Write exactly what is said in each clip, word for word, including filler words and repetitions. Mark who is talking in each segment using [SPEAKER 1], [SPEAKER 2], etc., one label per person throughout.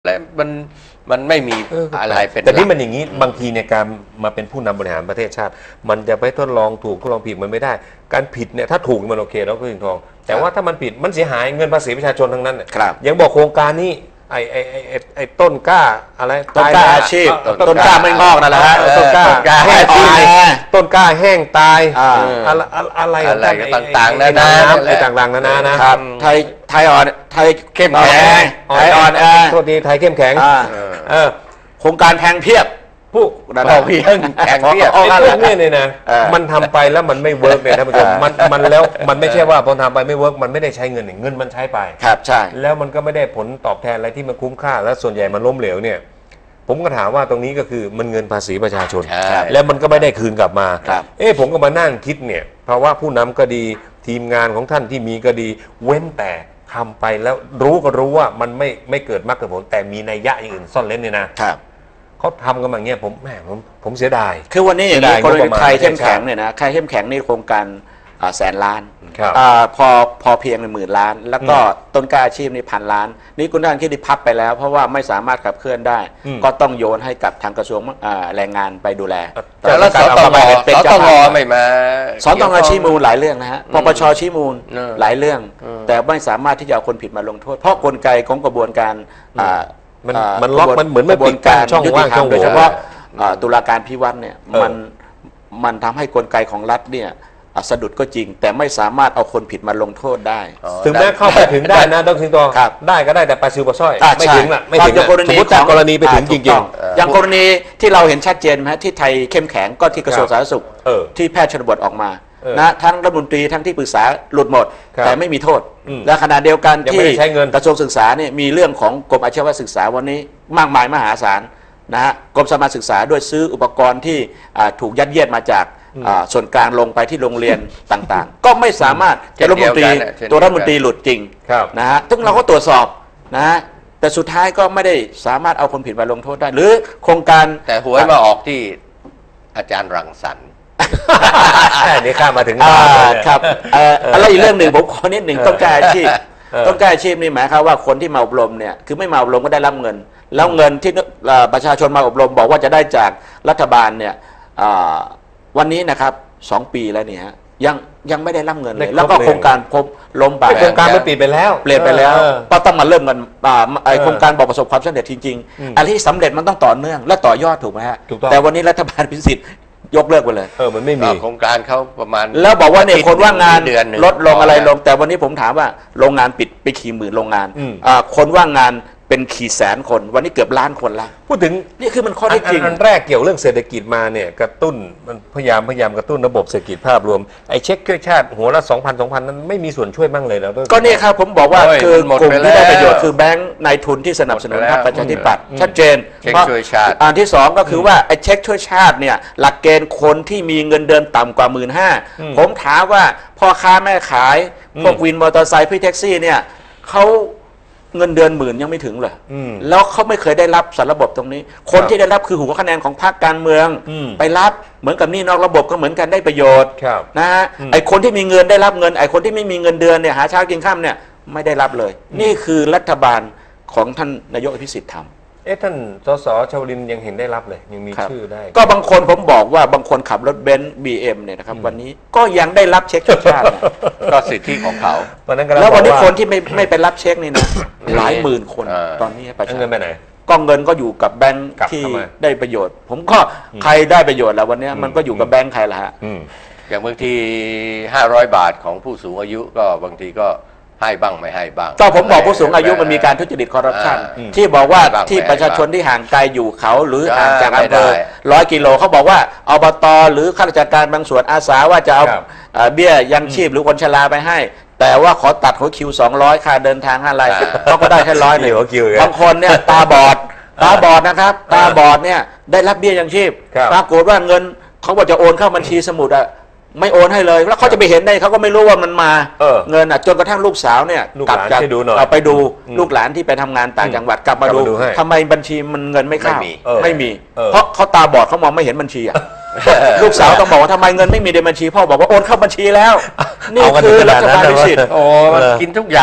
[SPEAKER 1] และมันมันไม่มีอะไรเป็น
[SPEAKER 2] แต่นี่มันอย่างนี้บางทีในการมาเป็นผู้นำบริหารประเทศชาติมันจะไปทดลองถูกทดลองผิดมันไม่ได้การผิดเนี่ยถ้าถูกมันโอเคแล้วก็ถึงทองแต่ว่าถ้ามันผิดมันเสียหายเงินภาษีประชาชนทั้งนั้นยังบอกโครงการนี้ไอ้ไอ้ไอ้ไอ้ต้นกล้าอะไร
[SPEAKER 3] ต้นกล้าอาชีพต้นกล้าไม่งอกนั่นแหละฮะ
[SPEAKER 2] ต้นกล้าแห้งตายต้นกล้าแห้งตายอะไรอะไร
[SPEAKER 1] อะไรต่างๆนานา
[SPEAKER 2] ไอ้ต่างๆนานานะครับ
[SPEAKER 3] ไทยไทยอ่อนไทยเข้มแข็งไทยอ่อน
[SPEAKER 2] โทษดีไทยเข้มแข็ง
[SPEAKER 3] โครงการแพงเพียบ
[SPEAKER 2] ผู้
[SPEAKER 1] เราเพียงแข่งเพียบ
[SPEAKER 2] ไอ้พวกนี้เนี่ยนะมันทำไปแล้วมันไม่เวิร์กเลยท่านผู้ชมมันมันแล้วมันไม่ใช่ว่าพอทำไปไม่เวิร์กมันไม่ได้ใช้เงินเงินมันใช้ไป
[SPEAKER 3] ครับใช่
[SPEAKER 2] แล้วมันก็ไม่ได้ผลตอบแทนอะไรที่มันคุ้มค่าแล้วส่วนใหญ่มันล้มเหลวเนี่ยผมก็ถามว่าตรงนี้ก็คือมันเงินภาษีประชาชนแล้วมันก็ไม่ได้คืนกลับมาเอ๊ะผมก็มานั่งคิดเนี่ยเพราะว่าผู้นำก็ดีทีมงานของท่านที่มีก็ดีเว้นแต่ทำไปแล้วรู้ก็รู้ว่ามันไม่ไม่เกิดมรรคผลแต่มีนัยยะอย่างอื่นซ่อนเร้นเนี่ยนะเขาทำกันแบบนี้ผมแหมผมผมเสียดาย
[SPEAKER 3] คือวันนี้อย่างนี้กรณีไทยเข้มแข็งเนี่ยนะไทยเข้มแข็งนี่โครงการแสนล้านพอพอเพียงหมื่นล้านแล้วก็ต้นกล้าอาชีพนี่พันล้านนี่คุณท่านคิดที่พับไปแล้วเพราะว่าไม่สามารถขับเคลื่อนได้ก็ต้องโยนให้กับทางกระทรวงแรงงานไปดูแล
[SPEAKER 1] แล้วสตงสตงไม่มา
[SPEAKER 3] สตงชี้มูลหลายเรื่องนะฮะปปชชี้มูลหลายเรื่องแต่ไม่สามารถที่จะเอาคนผิดมาลงโทษเพราะกลไกของกระบวนการ
[SPEAKER 2] มันมันล็อกมันเหมือนไม่ปิดการช่องว่างช่องโหว่
[SPEAKER 3] โดยเฉพาะตุลาการพิวัตรเนี่ยมันมันทำให้กลไกของรัฐเนี่ยสะดุดก็จริงแต่ไม่สามารถเอาคนผิดมาลงโทษได้
[SPEAKER 2] ถึงแม้เข้าไปถึงได้นะดร.สิงโตได้ก็ได้แต่ปลาซิวปลาสร้อยไม่ถึงละไม่ถึงสมมติกรณีไปถึงจริง
[SPEAKER 3] ๆอย่างกรณีที่เราเห็นชัดเจนไหมที่ไทยเข้มแข็งก็ที่กระทรวงสาธารณสุขที่แพทย์ชนบทออกมานะทั้งรัฐมนตรีทั้งที่ปรึกษาหลุดหมดแต่ไม่มีโทษและขณะเดียวกันที่กระทรวงศึกษาเนี่ยมีเรื่องของกรมอาชีวศึกษาวันนี้มากมายมหาศาลนะฮะกรมสมาศึกษาด้วยซื้ออุปกรณ์ที่ถูกยัดเยียดมาจากส่วนกลางลงไปที่โรงเรียนต่างๆก็ไม่สามารถจะรัฐมนตรีตัวรัฐมนตรีหลุดจริงนะฮะซึ่งเราก็ตรวจสอบนะฮะแต่สุดท้ายก็ไม่ได้สามารถเอาคนผิดมาลงโทษได้หรือโครงการ
[SPEAKER 1] แต่หวยมาออกที่อาจารย์รังสรรค์
[SPEAKER 2] นี่ข้ามาถึง
[SPEAKER 3] ครับอะไรอีกเรื่องหนึ่งผมขอนิดหนึ่งต้องการอาชีพต้องการอาชีพนี่หมายความว่าคนที่มาอบรมเนี่ยคือไม่มาอบรมก็ได้รับเงินแล้วเงินที่ประชาชนมาอบรมบอกว่าจะได้จากรัฐบาลเนี่ยวันนี้นะครับสองปีแล้วเนี่ยยังยังไม่ได้รับเงินเลยแล้วก็โครงการพบล้มไป
[SPEAKER 2] โครงการมันปิดไปแล้ว
[SPEAKER 3] เปลี่ยนไปแล้วก็ต้องมาเริ่มกันไอโครงการบอกประสบความสำเร็จจริงๆอะไรที่สำเร็จมันต้องต่อเนื่องและต่อยอดถูกไหมฮะแต่วันนี้รัฐบาลพิสิทธิ์ยกเลิกไปเลย
[SPEAKER 2] เออมันไม่มี
[SPEAKER 1] โครงการเขาประมาณ
[SPEAKER 3] แล้วบอกว่าเนี่ยคนว่างงานลดลงอะไรลงแต่วันนี้ผมถามว่าโรงงานปิดไปกี่หมื่นโรงงานคนว่างงานเป็นขี่แสนคนวันนี้เกือบล้านคนละ
[SPEAKER 2] พูดถึง
[SPEAKER 3] นี่คือมันข้อเท็จจริง
[SPEAKER 2] อันแรกเกี่ยวเรื่องเศรษฐกิจมาเนี่ยกระตุ้นมันพยายามพยายามกระตุ้นระบบเศรษฐกิจภาพรวมไอ้เช็คช่วยชาติหัวละสองพันสองพันนั้นไม่มีส่วนช่วยบ้างเลยแล้ว
[SPEAKER 3] ก็นี่ครับผมบอกว่าคือกลุ่มที่ได้ประโยชน์คือแบงก์นายทุนที่สนับสนุนพรรคประชาธิปัตย์ชัดเจน
[SPEAKER 1] เช็คช่วยชาติ
[SPEAKER 3] อันที่สองก็คือว่าไอ้เช็คช่วยชาติเนี่ยหลักเกณฑ์คนที่มีเงินเดือนต่ำกว่าหมื่นห้าผมถามว่าพ่อค้าแม่ขายพวกวินมอเตอร์ไซค์พี่แท็กซี่เนี่ยเขาเงินเดือนหมื่นยังไม่ถึงเลยแล้วเขาไม่เคยได้รับสารระบบตรงนี้คนที่ได้รับคือหัวคะแนนของพรรคการเมืองไปรับเหมือนกับนี่นอกระบบก็เหมือนกันได้ประโยชน์นะฮะไอคนที่มีเงินได้รับเงินไอคนที่ไม่มีเงินเดือนเนี่ยหาเช้ากินข้ามเนี่ยไม่ได้รับเลยนี่คือรัฐบาลของท่านนายกอภิสิทธิ์ทำ
[SPEAKER 2] เอ๊ะท่านสสชวลินยังเห็นได้รับเลยยังมีชื่อได้
[SPEAKER 3] ก็บางคนผมบอกว่าบางคนขับรถเบนซ์ บี เอ็ม เนี่ยนะครับวันนี้ก็ยังได้รับเช็คชาติ
[SPEAKER 1] ก็สิทธิของเขา
[SPEAKER 3] แล้ววันนี้คนที่ไม่ไม่ไปรับเช็คนี่นะหลายหมื่นคนตอนนี้ประชาชน
[SPEAKER 2] เงินไปไหน
[SPEAKER 3] ก็เงินก็อยู่กับแบงค์ที่ได้ประโยชน์ผมก็ใครได้ประโยชน์แล้ววันนี้มันก็อยู่กับแบงค์ใครล่ะฮะ
[SPEAKER 1] อย่างบางทีห้าร้อยบาทของผู้สูงอายุก็บางทีก็ให้บ้างไม่ให้บ้าง
[SPEAKER 3] ก็ผมบอกผู้สูงอายุมันมีการทุจริตคอร์รัปชันที่บอกว่าที่ประชาชนที่ห่างไกลอยู่เขาหรือห่างจากอำเภอร้อยกิโลเขาบอกว่าอบต.หรือข้าราชการบางส่วนอาสาว่าจะเอาเบี้ยยังชีพหรือคนชราไปให้แต่ว่าขอตัดหัวคิวสองร้อยค่าเดินทางอะไรเขาก็ได้แค่ร้อยหนึ่งบางคนเนี่ยตาบอดตาบอดนะครับตาบอดเนี่ยได้รับเบี้ยยังชีพปรากฏว่าเงินเขาบอกจะโอนเข้าบัญชีสมุดอะไม่โอนให้เลยแล้วเขาจะไปเห็นได้เขาก็ไม่รู้ว่ามันมาเงินอ่ะจนกระทั่งลูกสาวเนี่ย
[SPEAKER 2] กลับจาก
[SPEAKER 3] ไปดูลูกหลานที่ไปทำงานต่างจังหวัดกลับมาดูทำไมบัญชีมันเงินไม่เข้าไม่มีเพราะเขาตาบอดเขามองไม่เห็นบัญชีอ่ะลูกสาวต้องบอกว่าทำไมเงินไม่มีในบัญชีพ่อบอกว่าโอนเข้าบัญชีแล้วนี่คือรัฐบาลพิสิทธิ์
[SPEAKER 1] โอ้กินทุกอย่าง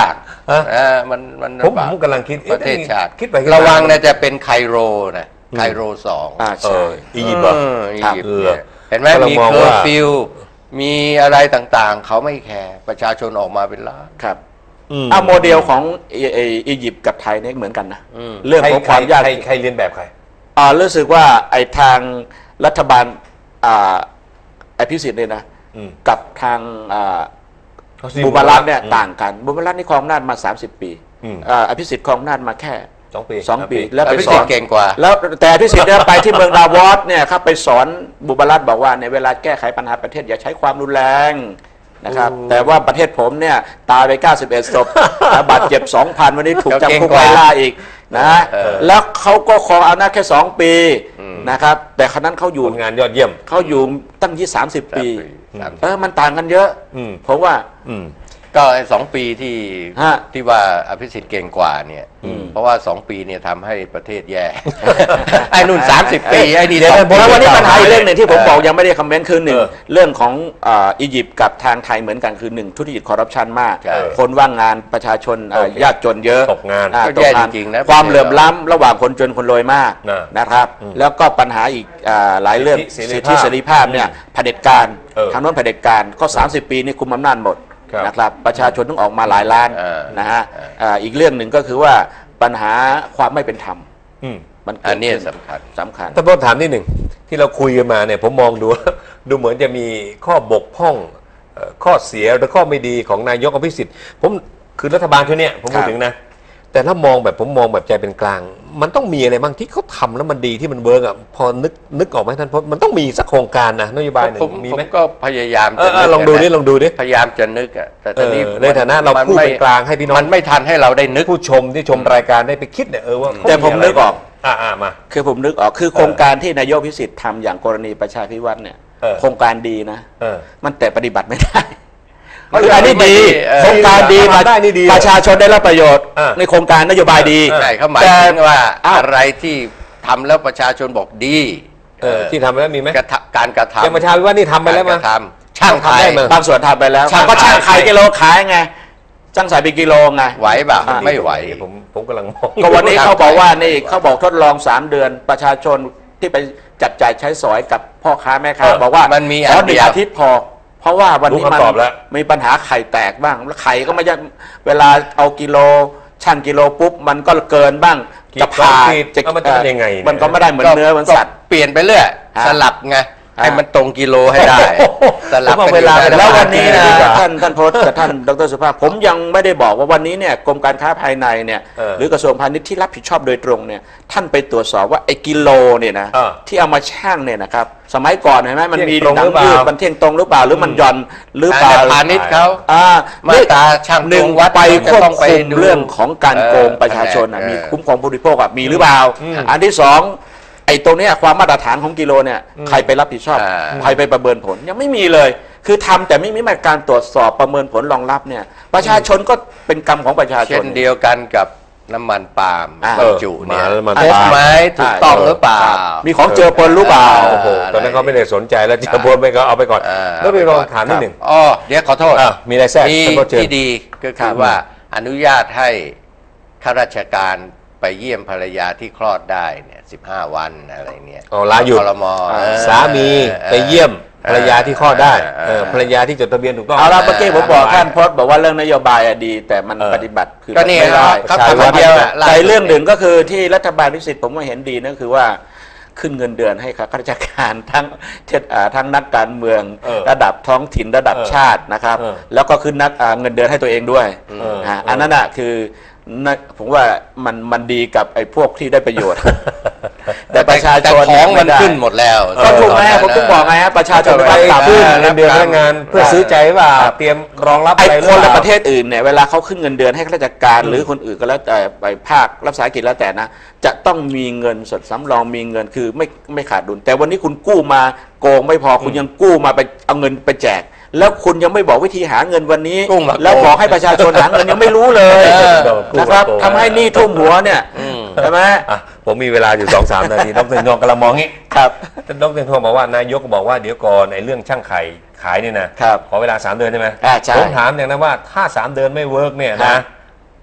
[SPEAKER 1] มันมัน
[SPEAKER 2] ผมผมกำลังคิด
[SPEAKER 1] ประเทศชาติ
[SPEAKER 2] คิดไประ
[SPEAKER 1] วังนะจะเป็นไคโรนะไคโรสอง
[SPEAKER 3] อ่าใช่
[SPEAKER 2] อียิปต์
[SPEAKER 1] อียิปต์เห็นไหมมีเคอร์ฟิวมีอะไรต่างๆเขาไม่แคร์ประชาชนออกมาเป็นล้าน
[SPEAKER 3] ครับเอาโมเดลของอียิปต์กับไทยเนี่ยเหมือนกันนะเรื่องของความยาก
[SPEAKER 2] ใครเรียนแบบใคร
[SPEAKER 3] อ่ารู้สึกว่าไอ้ทางรัฐบาลอ่าไอพิสิทธิ์เนี่ยนะกับทางอ่าบูมารัตเนี่ยต่างกันบูมารัตนี่ครองอำนาจมาสามสิบปีอ่าอภิสิทธิ์ครองอำนาจมาแค่
[SPEAKER 2] สองปี
[SPEAKER 3] สองปีแล้วไปสอน
[SPEAKER 1] เก่งกว่า
[SPEAKER 3] แล้วแต่อภิสิทธิ์เนี่ยไปที่เมืองดาวอสเนี่ยครับไปสอนบูมารัตบอกว่าในเวลาแก้ไขปัญหาประเทศอย่าใช้ความรุนแรงนะครับแต่ว่าประเทศผมเนี่ยตายไปเก้าสิบเอ็ดศพบาดเจ็บ สองพัน วันนี้ถูกจำคุกไล่ล่าอีกนะแล้วเขาก็ครองอำนาจแค่สองปีนะครับแต่ครั้นั้นเขาอยู่
[SPEAKER 2] งานยอดเยี่ยม
[SPEAKER 3] เขาอยู่ตั้งยี่สามสิบปีเออมันต่างกันเยอะเพราะว่า
[SPEAKER 1] ก็สองปีที่ที่ว่าอภิสิทธิ์เก่งกว่าเนี่ยเพราะว่าสองปีเนี่ยทำให้ประเทศแย่ไอ้นุ่นสามสิบปีไอ้นี่
[SPEAKER 3] เดี๋ยวแล้ววันนี้ปัญหาอีกเรื่องหนึ่งที่ผมบอกยังไม่ได้คอมเมนต์คือหนึ่งเรื่องของอียิปต์กับทางไทยเหมือนกันคือหนึ่งทุจริตคอร์รัปชันมากคนว่างงานประชาชนยากจนเยอะ
[SPEAKER 2] ตกงาน
[SPEAKER 1] ก็แย่จริงๆนะ
[SPEAKER 3] ความเหลื่อมล้ำระหว่างคนจนคนรวยมากนะครับแล้วก็ปัญหาอีกหลายเรื่องสิทธิเสรีภาพเนี่ยเผด็จการทางโน้นเผด็จการก็สามสิบปีนี่คุมอำนาจหมดนะครับประชาชนต้องออกมาหลายล้านนะฮะอีกเรื่องหนึ่งก็คือว่าปัญหาความไม่เป็นธรรม
[SPEAKER 1] มันอันนี้สำคัญ
[SPEAKER 3] สำคัญ
[SPEAKER 2] ถ้าผมถามนิดหนึ่งที่เราคุยกันมาเนี่ยผมมองดูดูเหมือนจะมีข้อบกพร่องข้อเสียหรือข้อไม่ดีของนายกอภิสิทธิ์ผมคือรัฐบาลชุดนี้ผมพูดถึงนะแต่ถ้ามองแบบผมมองแบบใจเป็นกลางมันต้องมีอะไรบ้างที่เขาทำแล้วมันดีที่มันเวิร์กอ่ะพอนึกนึกออกไหมท่านพจน์มันต้องมีสักโครงการนะนโยบายหนึ่งมีไหม
[SPEAKER 1] ก็พยายาม
[SPEAKER 2] จะลองดูดิลองดูดิ
[SPEAKER 1] พยายามจะนึกอ่ะแต่ตอนนี้
[SPEAKER 2] ในฐานะเราพูดเป็นกลางให้พี่น้อง
[SPEAKER 1] มันไม่ทันให้เราได้นึก
[SPEAKER 2] ผู้ชมที่ชมรายการได้ไปคิดเนี่ยเออว่า
[SPEAKER 3] แต่ผมนึกออก
[SPEAKER 2] อ่ามา
[SPEAKER 3] คือผมนึกออกคือโครงการที่นายกพิสิทธิ์ทำอย่างกรณีประชาพิวัตรเนี่ยโครงการดีนะมันแต่ปฏิบัติไม่ได้คืออันนี้ดีโครงการดีประชาชนได้รับประโยชน์ในโครงการนโยบายดี
[SPEAKER 1] ใช่เขาหมายถึงว่าอะไรที่ทำแล้วประชาชนบอกดี
[SPEAKER 2] ที่ทำแล้วมีไหม
[SPEAKER 1] การกระทำ
[SPEAKER 2] อย่างประชาพิวัตรนี่ทำไปแล้วมั้ย
[SPEAKER 3] ช่างไข่บางส่วนทำไปแล้วก็ช่างไข่กิโลขายไงช่างใส่เป็นกิโลไง
[SPEAKER 1] ไหวป่ะไม่ไหว
[SPEAKER 2] ผมผมกำลังมอง
[SPEAKER 3] ก็วันนี้เขาบอกว่านี่เขาบอกทดลองสามเดือนประชาชนที่ไปจับจ่ายใช้สอยกับพ่อค้าแม่ค้าบอกว่า
[SPEAKER 1] มันมี
[SPEAKER 3] ขอหนึ่งอาทิตย์พอเพราะว่าวันนี้มันมีปัญหาไข่แตกบ้างแล้วไข่ก็ไม่ใช่เวลาเอากิโลชั่งกิโลปุ๊บมันก็เกินบ้าง
[SPEAKER 2] จะผ่าจะมันจะยังไง
[SPEAKER 3] มันก็ไม่ได้เหมือนเนื้อเหมือนสัตว์
[SPEAKER 1] เปลี่ยนไปเรื่อยสลับไงให้มันตรงกิโลให้ได้
[SPEAKER 3] สลับเวลาแล้ววันนี้นะท่านท่านโพสต์กับท่านดร.สุภาพผมยังไม่ได้บอกว่าวันนี้เนี่ยกรมการค้าภายในเนี่ยหรือกระทรวงพาณิชย์ที่รับผิดชอบโดยตรงเนี่ยท่านไปตรวจสอบว่าไอ้กิโลเนี่ยนะที่เอามาชั่งเนี่ยนะครับสมัยก่อนเห็นไหมมันมีหนังยืดมันเที่ยงตรงหรือเปล่าหรือมันหย่อนหรือเปล่า
[SPEAKER 1] พาณิชย์เขา
[SPEAKER 3] มาตราช่างหนึ่งวัดไปควบคุมเรื่องของการโกงประชาชนมีคุ้มครองผู้บริโภคมีหรือเปล่าอันที่สองไอ้ตรงนี้ความมาตรฐานของกิโลเนี่ยใครไปรับผิดชอบใครไปประเมินผลยังไม่มีเลยคือทำแต่ไม่มีมาตรการตรวจสอบประเมินผลรองรับเนี่ยประชาชนก็เป็นกรรมของประชาชน
[SPEAKER 1] เช่นเดียวกันกับน้ำมันปาล์มบรรจุเนี่ย
[SPEAKER 2] พบ
[SPEAKER 1] ไหมถูกต้องหรือเปล่า
[SPEAKER 3] มีของเจอปนหรือเปล่า
[SPEAKER 2] โอ้โหตอนนั้นเขาไม่ได้สนใจแล้วเจอปนไปก็เอาไปก่อนแล้วไปลองถามนิดหนึ่ง
[SPEAKER 1] อ๋อเดี๋ยวขอโทษ
[SPEAKER 2] มีอะไรแทรก
[SPEAKER 1] ที่ดีก็คือว่าอนุญาตให้ข้าราชการไปเยี่ยมภรรยาที่คลอดได้เนี่ยสิบห้าวันอะไรเนี่ย
[SPEAKER 2] อ๋อลาหยุดสามีไปเยี่ยมภรรยาที่คลอดได้ภรรยาที่จดทะเบียนถูกต้อง
[SPEAKER 3] เอาละเมื่อกี้ผมบอกท่านพจน์บอกว่าเรื่องนโยบายดีแต่มันปฏิบัติคือ
[SPEAKER 1] ไม่ได้
[SPEAKER 3] เขาทำเดียวแต่เรื่องหนึ่งก็คือที่รัฐบาลพิสิทธิ์ผมว่าเห็นดีนั่นคือว่าขึ้นเงินเดือนให้ข้าราชการทั้งทั้งนักการเมืองระดับท้องถิ่นระดับชาตินะครับแล้วก็ขึ้นนักเงินเดือนให้ตัวเองด้วยอันนั้นอ่ะคือผมว่ามันมันดีกับไอ้พวกที่ได้ประโยชน์แต่ประชาชน
[SPEAKER 1] ของมันขึ้นหมดแล้ว
[SPEAKER 3] ก็ถูกไหมผมต้องบอกไงฮะประชาชน
[SPEAKER 2] ไปขึ้นเงินเดือนพนักงานเพื่อซื้อใจว่าเตรียมรองรับอะไร
[SPEAKER 3] คนในประเทศอื่นเนี่ยเวลาเขาขึ้นเงินเดือนให้ข้าราชการหรือคนอื่นก็แล้วแต่ไปภาครับสาหกิจแล้วแต่นะจะต้องมีเงินสดสำรองมีเงินคือไม่ไม่ขาดดุลแต่วันนี้คุณกู้มาโกงไม่พอคุณยังกู้มาไปเอาเงินไปแจกแล้วคุณยังไม่บอกวิธีหาเงินวันนี้แล้วบอกให้ประชาชนหาเงินยังไม่รู้เลยนะครับทำให้หนี้ท่วมหัวเนี่ยใช่ไหม
[SPEAKER 2] ผมมีเวลาอยู่ สองถึงสาม นาทีดร.นงกำลังมองงี้
[SPEAKER 3] ครับ
[SPEAKER 2] ดร.นงบอกว่านายกบอกว่าเดี๋ยวก่อนในเรื่องช่างไข่ขายเนี่ยนะขอเวลาสามเดือนใช่ไหมผมถามอย่างนั้นว่าถ้าสามเดือนไม่เวิร์กเนี่ยนะ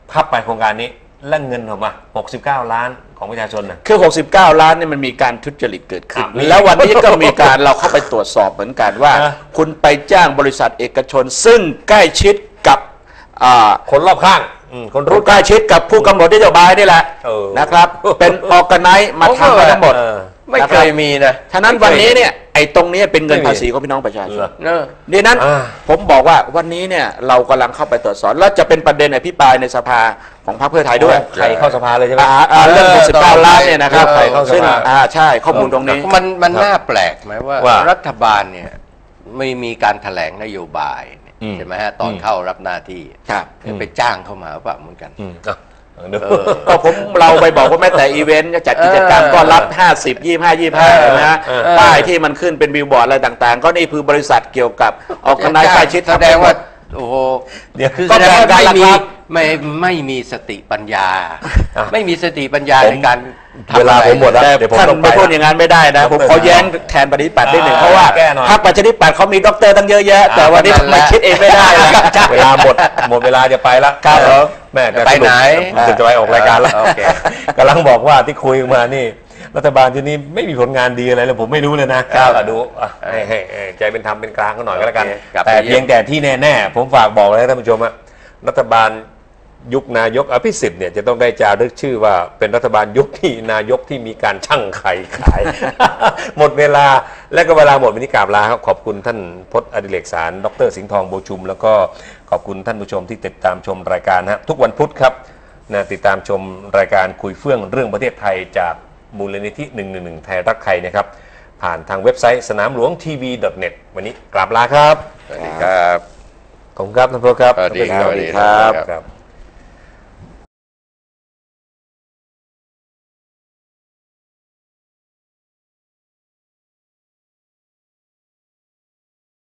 [SPEAKER 2] พับไปโครงการนี้และเงินออกมาหกสิบเก้าล้านของประชาชนนะ
[SPEAKER 3] คือหกสิบเก้าล้านเนี่ยมันมีการทุจริตเกิดขึ้นแล้ววันนี้ก็มีการเราเข้าไปตรวจสอบเหมือนกันว่า คุณไปจ้างบริษัทเอกชนซึ่งใกล้ชิดกับ
[SPEAKER 2] คนรอบข้าง
[SPEAKER 3] คนรู้ใกล้ชิดกับผู้กำหนดนโยบายนี่แหละนะครับเป็นออร์แกไนซ์มาทำมาทั้งหมด
[SPEAKER 1] ไม่เคยมีนะ
[SPEAKER 3] ฉะนั้นวันนี้เนี่ยไอ้ตรงนี้เป็นเงินภาษีของพี่น้องประชาชนดังนั้นผมบอกว่าวันนี้เนี่ยเรากำลังเข้าไปตรวจสอบแล้วจะเป็นประเด็นอภิปรายในสภาของพรรคเพื่อไทยด้วย
[SPEAKER 2] ใครเข้าสภาเลยใช่ไหม
[SPEAKER 3] เรื่องหกสิบเก้าล้านเนี่ยนะครับซึ่งใช่ข้อมูลตรงนี้
[SPEAKER 1] มันมันน่าแปลกไหมว่ารัฐบาลเนี่ยไม่มีการแถลงนโยบายใช่ไหมฮะตอนเข้ารับหน้าที่ไปจ้างเข้ามาเปล่าเหมือนกัน
[SPEAKER 3] ก็ผมเราไปบอกว่าแม้แต่อีเวนต์จัดกิจกรรมก็รับห้าสิบ ยี่สิบห้า ยี่สิบห้านะฮะป้ายที่มันขึ้นเป็นบิลบอร์ดอะไรต่างๆก็นี่คือบริษัทเกี่ยวกับออกคณะใกล้ชิด
[SPEAKER 1] แสดงว่าโอ้โหเดี๋ยวคือแสดงว่าไม่มีไม่ไม่มีสติปัญญาไม่มีสติปัญญาในการ
[SPEAKER 2] เวลาผมหมดแล้ว
[SPEAKER 3] ท่านไม่พูดอย่างนั้นไม่ได้นะผมขอแย้งแทนปฏิปัตินิดหนึ่งเพราะว่าพรรคประชาธิปัตย์เขามีด็อกเตอร์ตั้งเยอะแยะแต่วันนี้มาคิดเองไม่ได้
[SPEAKER 2] เวลาหมดหมดเวลาจะไปแล้ว
[SPEAKER 3] ครับ
[SPEAKER 2] แม่
[SPEAKER 1] ไปไหน
[SPEAKER 2] จะไปออกรายการแล้วกำลังบอกว่าที่คุยมานี่รัฐบาลที่นี้ไม่มีผลงานดีอะไรเลยผมไม่รู้เลยนะดูให้ให้ใจเป็นธรรมเป็นกลางก็หน่อยก็แล้วกันแต่เพียงแต่ที่แน่ๆผมฝากบอกเลยท่านผู้ชมว่ารัฐบาลยุคนายกอภิสิทธิ์เนี่ยจะต้องได้จารึกชื่อว่าเป็นรัฐบาลยุคที่นายกที่มีการชั่งไข่ขาย หมดเวลาและก็เวลาหมดวันนี้กราบลาครับขอบคุณท่านพจน์อดิเรกสารดรสิงห์ทองโบชุมแล้วก็ขอบคุณท่านผู้ชมที่ติดตามชมรายการฮะทุกวันพุธครับนะติดตามชมรายการคุยเฟื่องเรื่องประเทศไทยจากมูลนิธิหนึ่งหนึ่งหนึ่งไทยรักไทยนะครับผ่านทางเว็บไซต์สนามหลวงทีวี .เน็ต วันนี้กราบลาครับ
[SPEAKER 1] สวัสดีครับ
[SPEAKER 2] ขอบคุณครับท่านผู้ชมครับ
[SPEAKER 1] สวัสดีครับ